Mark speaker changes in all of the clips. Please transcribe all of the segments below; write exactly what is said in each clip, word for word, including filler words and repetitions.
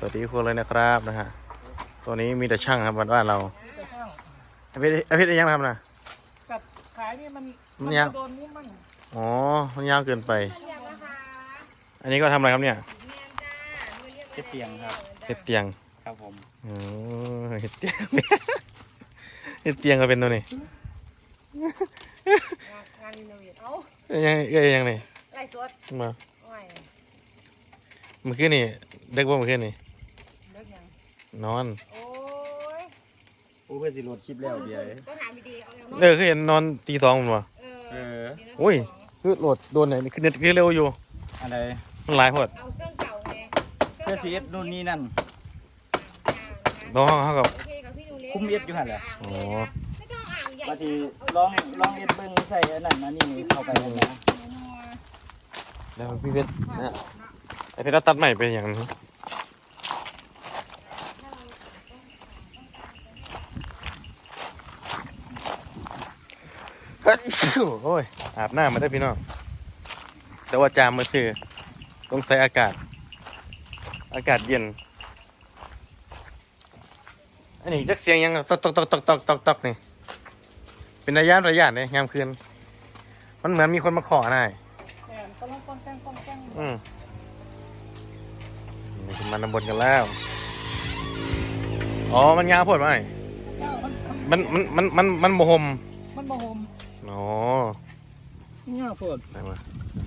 Speaker 1: วัสดีทุกคนเลยนะครับนะฮะตัวนี้มีแต่ช่างครับบ้านเราอภิอภิยังทำนะ
Speaker 2: กับขายนี่มัน
Speaker 1: มันยาว
Speaker 2: โดนมุ้งมั่ง
Speaker 1: อ๋อมันยาวเกินไปอันนี้ก็ทำอะไรครับเนี่ย
Speaker 2: เก็บเตียงครับ
Speaker 1: เห็ดเตียง
Speaker 2: ครับผม
Speaker 1: อ๋อเห็ดเตียงเห็ดเตียงก็เป็นตัวนี้
Speaker 3: งานรีโนเวทเอ้า
Speaker 1: ยังเอ้ยยังนี่
Speaker 3: ไล่สด
Speaker 1: มา
Speaker 3: ไม่
Speaker 1: เมื่อคืนนี่เด็กบ่เมื่อคืนนี่
Speaker 3: เลิกยัง
Speaker 1: นอน
Speaker 3: โอ้ย
Speaker 2: โอ้เพื่อสิโหลดคลิปแล้วเดียว
Speaker 3: ก็ถามดีๆเอาแล้ว
Speaker 1: เออคือเห็นนอนตีสองมันวะ
Speaker 3: เออ
Speaker 1: โอ้ยคือโหลดโดนไหนคือเน็ตคือเร็วอยู่
Speaker 2: อะไร
Speaker 1: มันหลายพอด
Speaker 3: เอาเครื่องเก่าไง
Speaker 2: เพื่อซีเอสนู่นนี่นั่น
Speaker 1: น้องเขากับ
Speaker 2: คุ้มเอ็ดอยู่หันแหละ
Speaker 1: อ๋อ
Speaker 2: มาสิลองลองเอ็ดเบิ้งใส่อันนั้นนะนี่เข้าไปเลยนะ
Speaker 1: แล้วพี่เพชรนะไอเพชรตัดใหม่เป็นอย่างนี้โอ้ยอาบน้ำมาได้พี่น้องแต่ว่าจามมาซื้อต้องใส่อากาศอากาศเย็นอันนี้จะเสียงยังตอกตอกตอกตอกตอกตอกตอกนี่เป็นระยะระยะเลยยามคืนมันเหมือนมีคนมาขอหน่อยอืมนี่คือมันนำบนกันแล้วอ๋อมันยาวโพดไหมมันมันมันมันมันโมหม
Speaker 2: มันบ่โฮม
Speaker 1: อ๋อ
Speaker 2: เนี่ยโพด
Speaker 1: ได้มา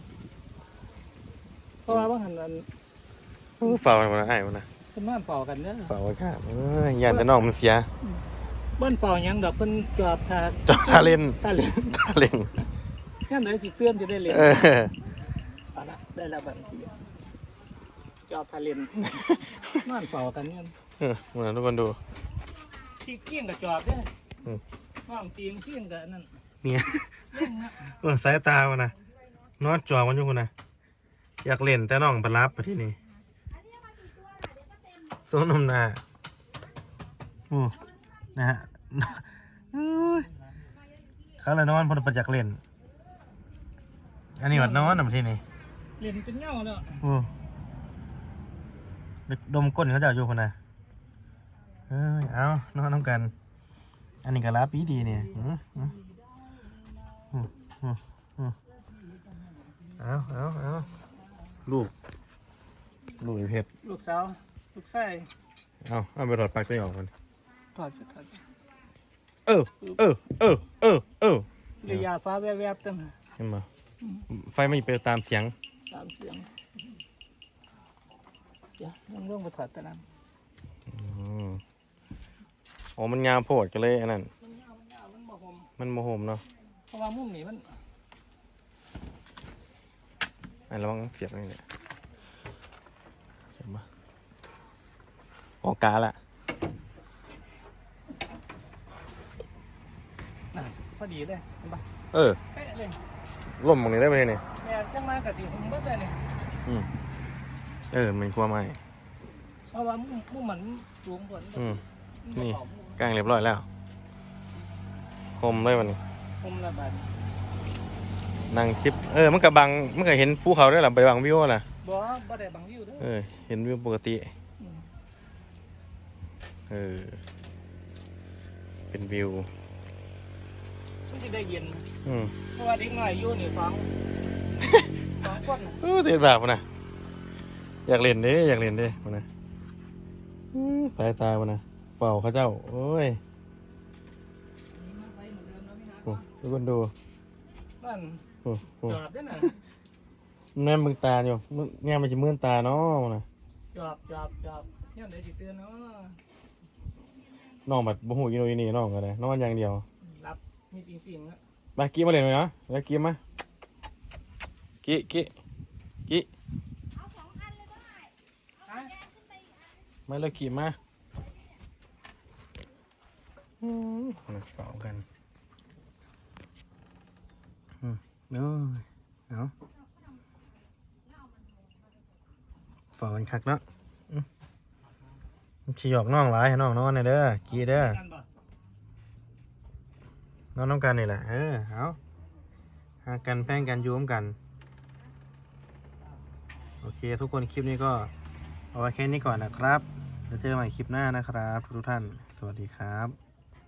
Speaker 2: เพราะว่าบางหันนั้น
Speaker 1: ฝ่ามันมาให้มันนะ
Speaker 2: เป็นบ้านเฝ้ากันเด้อ
Speaker 1: ฝ่าไว้ค่ะเออยันแต่น้องมันเสีย
Speaker 2: บ้านเฝ้ายังดอกเพิ่นจอบทา
Speaker 1: จอบทาเล่น
Speaker 2: ทาเล่น
Speaker 1: ทาเล่น
Speaker 2: งั้นเดี๋ยวสิเตือนจะได้เล่น
Speaker 1: เออ
Speaker 2: เอาละได้แล้วบัดนี้จอบทาเล่นบ้านเฝ้ากันเนี่ย
Speaker 1: เออมาทุกคนดู
Speaker 2: ที่เกี้ยงกับจอบเด้อน้องตีงเกี้ยงกับนั่น
Speaker 1: เนี่ยเออสายตาวันนะนอนจอมันอยู่คนนะอยากเล่นแต่น้องไปรับไปที่นี่โซนมนาโอ้นะฮะเขาเลยนอนพอไปอยากเล่นอันนี้วัดนอนนะที่นี่
Speaker 2: เล่นเป็นเงาเนาะ
Speaker 1: โอ้ดมก้นเขาจะอยู่คนนะเออเอานอนน้ำกันอันนี้ก็รับปีดีเนี่ยเอาเอาเอาลูกลูกเพชร
Speaker 2: ลูกสาวลูกชาย
Speaker 1: เอาเอาไปถอดปลั๊กตัวออกมัน
Speaker 2: ถอดถอด
Speaker 1: เออเออเออเออเออ
Speaker 2: เรียาฟ้าแวบๆตั้ง
Speaker 1: เห็นไหมไฟไม่ไปตามเสียง
Speaker 2: ตามเสียงเดี๋ยวต้องเรื่องไปถอดตะนั้น
Speaker 1: อ๋อมันงามโพดกันเลยอันนั้น
Speaker 2: มันยาวมันยาวมันโมโหม
Speaker 1: มันโมโหมเนาะ
Speaker 2: เพราะว่ามุมนี้มัน
Speaker 1: ไอ้ระวังเสียบนี่เนี่ยเห็นปะออกกาละ
Speaker 2: พอดีเลยเห็นปะ
Speaker 1: เออ
Speaker 2: เป๊ะเลย
Speaker 1: ล่มตรงนี้ได้ไหมเนี่ย
Speaker 2: แม่จังมากะทิผมเบิดเลยเนี่ย
Speaker 1: อืมเออมันกลัวไหม
Speaker 2: เพราะว่ามุมมุมมันสูงกว่า
Speaker 1: อืมนี่กางเรียบร้อยแล้วคมเลยวันนี้
Speaker 2: คมระบาด
Speaker 1: นั่งคลิปเออมันกับบังมันก็เห็นภูเขาได้หรอไปบังวิวล่ะ
Speaker 2: บ่บ่ได้บังวิวเด้อ
Speaker 1: เออเห็นวิวปกติเออเป็นวิว
Speaker 2: มันจะได้เย็น
Speaker 1: อืม
Speaker 2: เพราะว่าเด็กน้อยอยู่นี่ฟังสองคน
Speaker 1: เออเด็ดแบบนะอยากเล่นเด้อยากเล่นเด้มันนะสายตามันนะเป่าข้าเจ้าโอ้ยทุกคนดู
Speaker 2: นั่นจอบได้น่ะ
Speaker 1: แม่มึงตาอยู่แง่มันจะมื่นตาเนาะนะ
Speaker 2: จอบจอบจอบเนี่ยเดี๋ยวจิเตือนเนาะ
Speaker 1: น้องแบบบ่หูยินโนยินี่น้องกันเลยนอนอย่างเดียว
Speaker 2: รับมีจริงๆนะ
Speaker 1: มากี้มาเล่นเลยนะแล้วกี้มากี้กี้กี้ไม่เลยกี้มาอืมเป่ากันอืมเนาะเอาเป่ากันคักเนาะชี้หยอกน้องหลายให้น้องนอนเลยเด้อกี้เด้อนอนน้องกันนี่แหละเออเอาหากันแพ่งกันยุ่มกันโอเคทุกคนคลิปนี้ก็เอาไว้แค่นี้ก่อนนะครับเดี๋ยวเจอกันใหม่คลิปหน้านะครับทุกท่านสวัสดีครับ